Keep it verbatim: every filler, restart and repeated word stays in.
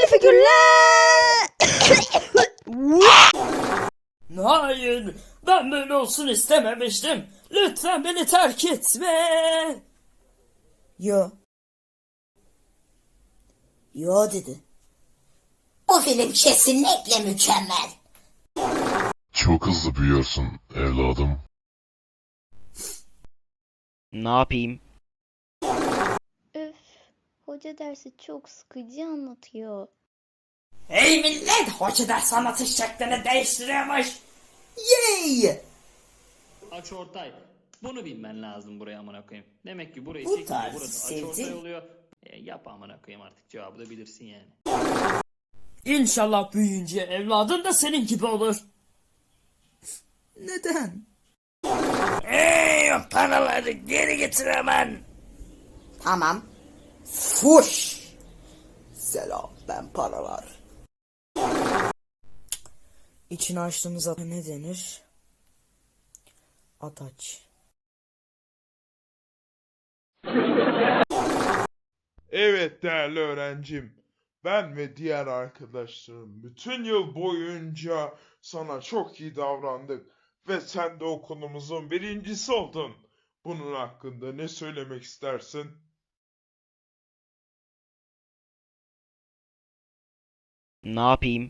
figürler. Hayır, ben böyle olsun istememiştim. Lütfen beni terk etme. Yo. Yo dedi. Bu film kesinlikle mükemmel. Çok hızlı büyüyorsun evladım. Ne yapayım? Öf, hoca dersi çok sıkıcı anlatıyor. Hey millet, hoca ders anlatış şeklini değiştiriyormuş. Yay! Açıortay. Bunu bilmen lazım buraya amına koyayım. Demek ki burayı Bu çekince tarz burası sevdim. açıortay oluyor. E, yap amına koyayım artık, cevabı da bilirsin yani. İnşallah büyüyünce evladın da senin gibi olur. Neden? Hey, paraları geri getir hemen. Tamam. Fuş. Selam, ben paralar. İçini açtığımız ne denir? Ataç. Evet değerli öğrencim, ben ve diğer arkadaşlarım bütün yıl boyunca sana çok iyi davrandık ve sen de okulumuzun birincisi oldun. Bunun hakkında ne söylemek istersin? Ne yapayım?